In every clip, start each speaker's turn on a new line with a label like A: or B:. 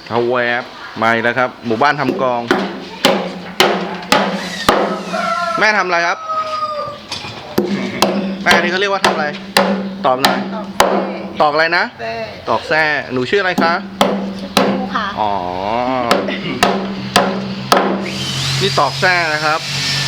A: เขาแวบมาอีกแล้วครับ หมู่บ้านทำกลอง แม่ทำอะไรครับ แม่นี่เขาเรียกว่าทำอะไร ตอบหน่อย ตอกอะไรนะ ตอกแส้หนูชื่ออะไรคะ
B: ชื่อปูค่ะ
A: อ๋อ นี่ตอกแส้นะครับ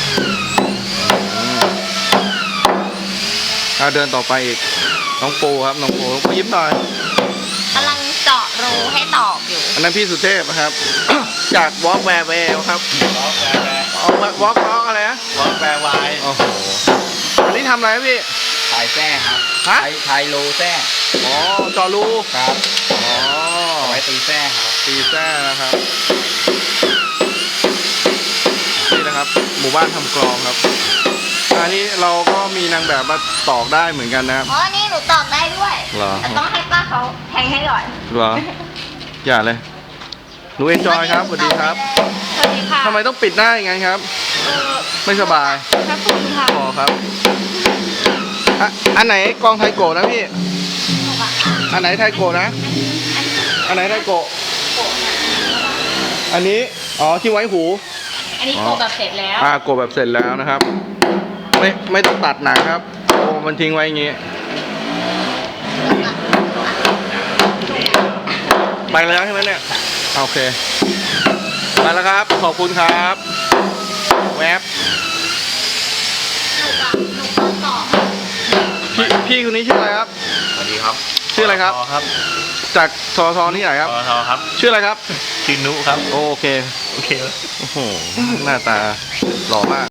A: เดินต่อไปอีก น้องปูครับ น้องปูยิ้มหน่อย
B: กำลังเจาะรูให้ตอกอยู่
A: อันนั้นพี่สุเทพนะครับ จากวอล์กแวร์เวลครับ
C: วอล์กแวร์
A: วอล์กอะไรนะ
C: วอล์กแวร์วาย
A: โอ้โห อันนี้ทำอะไรครับพี่
C: ถ่ายแท้ครับ
A: ฮะ
C: ถ่ายโลแท้
A: อ๋อจอรู
C: ครับ
A: อ๋อ
C: เอาไว้ตีแท้ครับ
A: ตีแส้นะครับ นี่นะครับ หมู่บ้านทำกลองครับ อันนี้เราก็มีนางแบบมาตอกได้เหมือนกันนะครับ
B: อ๋อ นี่หนูตอกได้ด้วย
A: เหรอ
B: แต่ต้องให้ป้าเขาแทงให้ก่อน
A: เหรอ อย่าเลย หนูเอนจอยครับ สวัสดีครับ
B: สวัสดีค่ะ
A: ทำไมต้องปิดหน้าอย่างนั้นครับ ไม่สบาย
B: พระคุณค่ะ
A: พอครับอันไหนกองไทโกะนะพี่ อันไหนไทโกะนะ อันไหนไทโกะอันนี้ อ๋อ ที่ไว้หู
B: อันนี้โกแบบเสร็จแล้ว
A: โกะแบบเสร็จแล้วนะครับ ไม่ต้องตัดหนังครับ โอ้มันทิ้งไว้อย่างงี้ ไปแล้วใช่ไหมเนี่ย โอเค ไปแล้วครับ ขอบคุณครับ แวบ
B: หนูก็ตอก
A: พี่คนนี้ชื่ออะไรครับ
C: สวัสดีครับ
A: ชื่ออะไรครับ
C: ครับ
A: จากททที่ไหนครับ
C: ทอครับ
A: ชื่ออะไรครับ
C: ชื่อนุครับ
A: โอเค
C: โอเค
A: โอ้โห หน้าตาหล่อมาก